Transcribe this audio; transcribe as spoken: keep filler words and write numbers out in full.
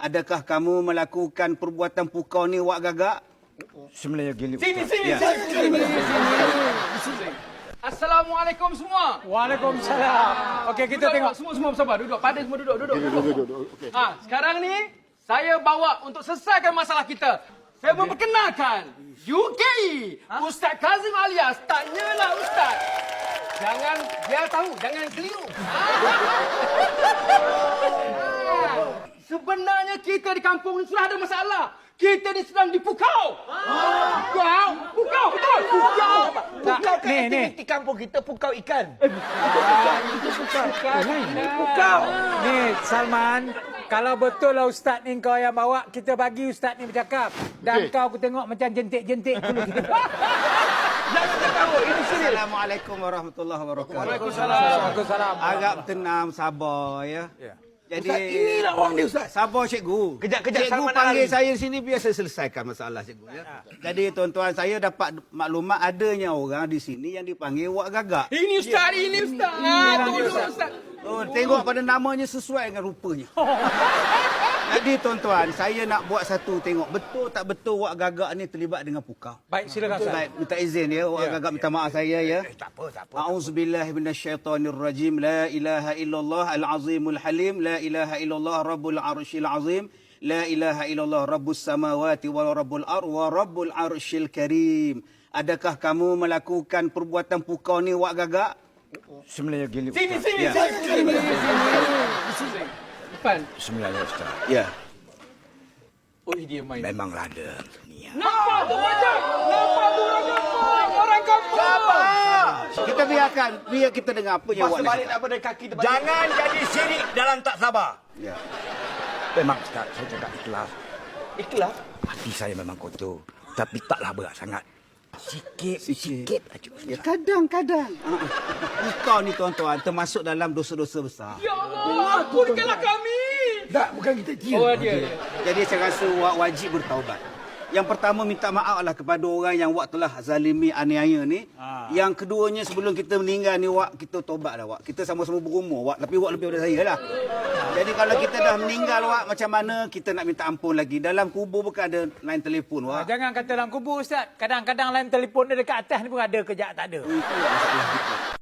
Adakah kamu melakukan perbuatan pukau ni wak gagak? Sebenarnya gini. Sini, Ustaz. sini, Ya. sini, sini, sini. Assalamualaikum semua. Waalaikumsalam. Okey, kita Duduk, tengok. Semua, semua bersabar. Duduk. Pada semua duduk. Duduk, duduk. Ah, sekarang ni, saya bawa untuk selesaikan masalah kita. Saya memperkenalkan U K I, Ustaz Kazim alias Tanyalah Ustaz. Jangan, dia tahu, jangan keliru. Ah. Sebenarnya kita di kampung ni sudah ada masalah. Kita ni sedang dipukau. Pukau? Pukau, betul. Pukau. Tak, ni, ni. Di kampung kita pukau ikan. Kau. Ni, Salman. Kalau betul lah Ustaz ni kau yang bawa, kita bagi Ustaz ni bercakap. Dan kau aku tengok macam jentik-jentik. Jangan ketawa. Ini serius. Assalamualaikum warahmatullahi wabarakatuh. Waalaikumsalam. Waalaikumsalam. Agak tenang, sabar ya. Ya. Jadi Ustaz, inilah orang dia, Ustaz. Sabar cikgu. Kejap, kejap, Cikgu Salman panggil Al-Ali. saya sini biar saya selesaikan masalah cikgu ya. Jadi tuan-tuan, saya dapat maklumat adanya orang di sini yang dipanggil wak gagak. Ini Ustaz, ini Ustaz. Tolong Ustaz. Oh, tengok pada namanya sesuai dengan rupanya. Jadi tuan-tuan, saya nak buat satu tengok betul tak betul wak gagak ni terlibat dengan pukau. Baik, silakan Ustaz. Baik, minta izin ya wak Ya, gagak minta maaf saya ya. Tak apa, tak apa. A'udzubillahi minasyaitonirrajim. La ilaha illallah al-azimul halim. La ilaha illallah rabbul arsyil azim. La ilaha illallah rabbus samawati wa rabbul ar wa rabbul arsyil karim. Adakah kamu melakukan perbuatan pukau ni wak gagak? Sebenarnya gini. Sini, Ustaz. sini, Ya. sini, sini. Depan. Sebenarnya Ustaz. Ya. Oh, dia main. Memanglah ada niat. Nampak tu macam? Nampak tu orang kampung? Orang kampung. Kita biarkan, biar kita dengar apa yang wak nak cakap. daripada kaki depan. Jangan jadi syirik dalam tak sabar. Ya. Memang Ustaz, saya cakap ikhlas. Ikhlas. Hati saya memang kotor. Tapi taklah berat sangat. Sikit, sikit aja. Ya, kadang-kadang. Uh, Pukau ni tuan-tuan termasuk dalam dosa-dosa besar. Ya Allah, ampunikanlah kami. Tak, bukan kita dia. Oh, dia. Jadi saya rasa wak wajib bertaubat. Yang pertama minta maaflah kepada orang yang wak telah zalimi aniaya ni. Ha. Yang keduanya sebelum kita meninggal ni wak kita taubatlah wak. Kita sama-sama berumur wak, tapi wak lebih daripada saya lah. Jadi kalau kita dah meninggal wak, macam mana kita nak minta ampun lagi? Dalam kubur bukan ada line telefon Ah, wak. jangan kata dalam kubur Ustaz. Kadang-kadang lain telefon dia dekat atas ni pun ada, kejap tak ada. Itu masalah kita.